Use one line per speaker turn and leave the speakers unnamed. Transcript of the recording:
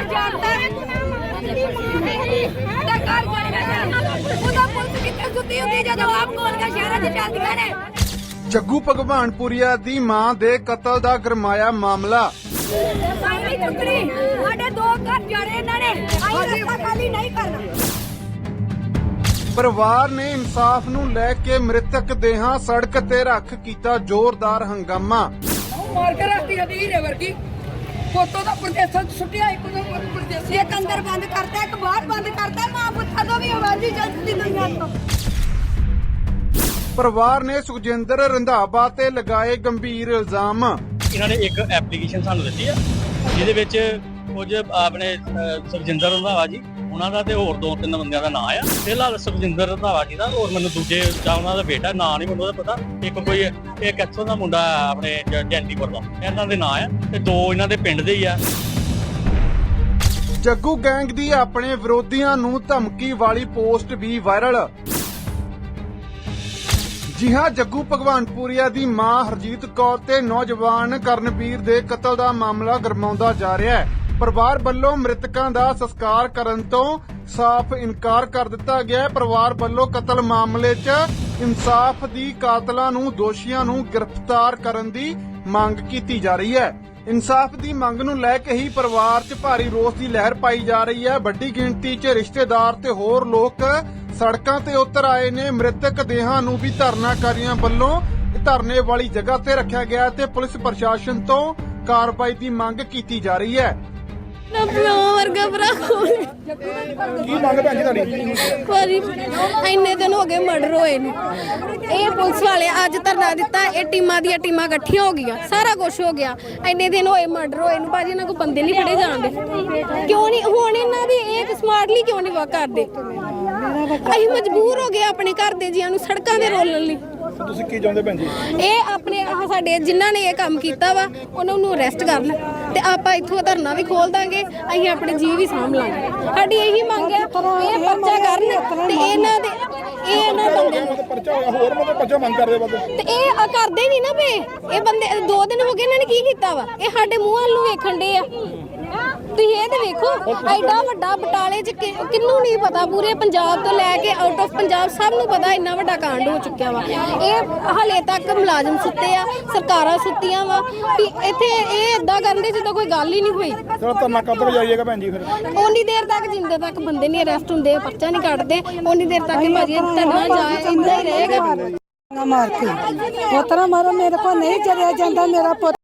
जानता है
जग्गू भगवानपुरिया दी मां दे कतल दा गरमाया मामला। परिवार ने इंसाफ नूं लै के मृतक देहां सड़क ते रख कीता जोरदार हंगामा।
मार के रखती है नीरे वर्गी फोटो दा प्रदेश छुट्टिया एक दो प्रदेश
एक अंदर बंद करता है एक बाहर बंद करता है मां पुत्ता तो भी आवाज ही चलती दुनिया तो।
परिवार ने सुखजिंदर रंधावा ते लगाए गंभीर इल्जाम।
इन्होंने एक एप्लीकेशन सानू दित्ती है जिहदे विच कुछ अपने सुखजिंदर रंधावा जी उन्हां दा ते होर दो तीन बंदियां दा नाम आ। फिलहाल सुखजिंदर रंधावा जी दा और मैनूं दूजे जां उन्हां दा बेटा नाम नहीं मैनूं पता। एक कोई एक इत्थों दा मुंडा अपने जैंतीपुर दा इन्हां दे नाम आ ते दो इन्हां दे पिंड दे ही आ।
जग्गू गैंग दी अपने विरोधियां नूं धमकी वाली पोस्ट भी वायरल। जी हां, जग्गू भगवानपुरिया दी मां हरजीत कौर ते नौजवान करनवीर दे कतल दा मामला गरमाउंदा जा रिहा है। परिवार ਵੱਲੋਂ ਮ੍ਰਿਤਕਾਂ ਦਾ ਸੰਸਕਾਰ ਕਰਨ ਤੋਂ ਸਾਫ਼ ਇਨਕਾਰ ਕਰ ਦਿੱਤਾ ਗਿਆ ਹੈ। ਪਰਿਵਾਰ ਵੱਲੋਂ ਕਤਲ ਮਾਮਲੇ 'ਚ ਇਨਸਾਫ ਦੀ ਕਾਤਲਾਂ ਨੂੰ ਦੋਸ਼ੀਆਂ ਨੂੰ ਗ੍ਰਿਫਤਾਰ ਕਰਨ ਦੀ ਮੰਗ ਕੀਤੀ ਜਾ ਰਹੀ ਹੈ। ਇਨਸਾਫ ਦੀ ਮੰਗ ਨੂੰ ਲੈ ਕੇ ਹੀ ਪਰਿਵਾਰ 'ਚ ਭਾਰੀ ਰੋਸ ਦੀ ਲਹਿਰ ਪਾਈ ਜਾ ਰਹੀ ਹੈ। ਵੱਡੀ ਗਿਣਤੀ 'ਚ ਰਿਸ਼ਤੇਦਾਰ ਤੇ ਹੋਰ ਲੋਕ ਸੜਕਾਂ ਤੇ ਉਤਰ ਆਏ ਨੇ। ਮ੍ਰਿਤਕ ਦੇਹਾਂ ਨੂੰ ਵੀ ਧਰਨਾਕਾਰੀਆਂ ਵੱਲੋਂ ਧਰਨੇ ਵਾਲੀ ਜਗ੍ਹਾ ਤੇ ਰੱਖਿਆ ਗਿਆ ਤੇ ਪੁਲਿਸ ਪ੍ਰਸ਼ਾਸਨ ਤੋਂ ਕਾਰਵਾਈ ਦੀ ਮੰਗ ਕੀਤੀ ਜਾ ਰਹੀ ਹੈ।
वर्गा भरा
ਕੀ ਮੰਗ ਭੈਣ ਜੀ ਤੁਹਾਡੀ?
ਇੰਨੇ ਦਿਨ ਹੋ ਗਏ ਮਰਡਰ ਹੋਏ ਨੇ। ਇਹ ਪੁਲਿਸ ਵਾਲੇ ਅੱਜ ਧਰਨਾ ਦਿੱਤਾ, ਇਹ ਟੀਮਾਂ ਦੀਆਂ ਟੀਮਾਂ ਇਕੱਠੀਆਂ ਹੋ ਗਈਆਂ, ਸਾਰਾ ਕੁਝ ਹੋ ਗਿਆ। ਇੰਨੇ ਦਿਨ ਹੋਏ ਮਰਡਰ ਹੋਏ ਨੂੰ, ਭਾਜੀ ਇਹਨਾਂ ਕੋ ਬੰਦੇ ਨਹੀਂ ਫੜੇ ਜਾਂਦੇ ਕਿਉਂ ਨਹੀਂ? ਹੁਣ ਇਹਨਾਂ ਦੀ ਇਹ ਸਮਾਰਟਲੀ ਕਿਉਂ ਨਹੀਂ ਵਾ ਕਰਦੇ? ਅਸੀਂ ਮਜਬੂਰ ਹੋ ਗਏ ਆਪਣੇ ਘਰ ਦੇ ਜੀਆਂ ਨੂੰ ਸੜਕਾਂ ਤੇ ਰੋਲਣ ਲਈ।
ਤੁਸੀਂ ਕੀ ਚਾਹੁੰਦੇ ਭੈਣ ਜੀ?
ਇਹ ਆਪਣੇ ਸਾਡੇ ਜਿਨ੍ਹਾਂ ਨੇ ਇਹ ਕੰਮ ਕੀਤਾ ਵਾ ਉਹਨਾਂ ਨੂੰ ਅਰੈਸਟ ਕਰਨ ਤੇ ਆਪਾਂ ਇੱਥੋਂ ਧਰਨਾ ਵੀ ਖੋਲ ਦਾਂਗੇ। ਅਸੀਂ ਆਪਣੇ ਜੀਅ ਵੀ ਸਾਂਭ ਲਾਂਗੇ। ਸਾਡੀ ਇਹੀ ਮੰਗ ਹੈ, ਇਹ ਪਰਚਾ ਕਰਨ ਤੇ ਇਹਨਾਂ ਦੇ ਇਹਨਾਂ ਬੰਦੇ ਨੂੰ
ਪਰਚਾ ਹੋਇਆ ਹੋਰ ਮਤਲਬ ਪਰਚਾ ਮੰਗ ਕਰਦੇ ਬੰਦੇ
ਤੇ ਇਹ ਕਰਦੇ ਨਹੀਂ ਨਾ ਪਏ। ਇਹ ਬੰਦੇ 2 ਦਿਨ ਹੋ ਗਏ ਇਹਨਾਂ ਨੇ ਕੀ ਕੀਤਾ ਵਾ? ਇਹ ਸਾਡੇ ਮੂੰਹ ਵੱਲ ਨੂੰ ਵੇਖਣ ਦੇ ਆ। ਤੁਸੀਂ ਇਹ ਤੇ ਵੇਖੋ, ਐਡਾ ਵੱਡਾ ਬਟਾਲੇ 'ਚ ਕਿੰਨੂੰ ਨਹੀਂ ਪਤਾ, ਪੂਰੇ ਪੰਜਾਬ ਤੋਂ ਲੈ ਕੇ ਆਊਟ ਆਫ ਪੰਜਾਬ ਸਭ ਨੂੰ ਪਤਾ ਇੰਨਾ ਵੱਡਾ ਕਾਂਡ ਹੋ ਚੁੱਕਿਆ ਵਾ। ਇਹ ਹਲੇ ਤੱਕ ਮੁਲਾਜ਼ਮ ਸੁੱਤੇ ਆ, ਸਰਕਾਰਾਂ ਸੁੱਤੀਆਂ ਵਾ ਵੀ ਇੱਥੇ ਇਹ ਏਦਾਂ ਕਰਨ ਦੇ ਜਿੱਦਾਂ ਕੋਈ ਗੱਲ ਹੀ ਨਹੀਂ ਹੋਈ।
ਚਲੋ ਧਰਨਾ ਕਦੋਂ ਜਾਈਏਗਾ ਭੈਣ ਜੀ? ਫਿਰ
ਉਨੀ ਦੇਰ ਤੱਕ ਜਿੰਦੇ ਤੱਕ ਬੰਦੇ ਨਹੀਂ ਅਰੈਸਟ ਹੁੰਦੇ, ਪਰਚਾ ਨਹੀਂ ਕੱਢਦੇ, ਉਨੀ ਦੇਰ ਤੱਕ ਹੀ ਭਾਜੀ ਧਰਨਾ ਜਾਏ ਇੰਦਾ ਹੀ ਰਹੇਗਾ।
मार के उतना मारो, मेरे को नहीं चलिया जाता मेरा पुत।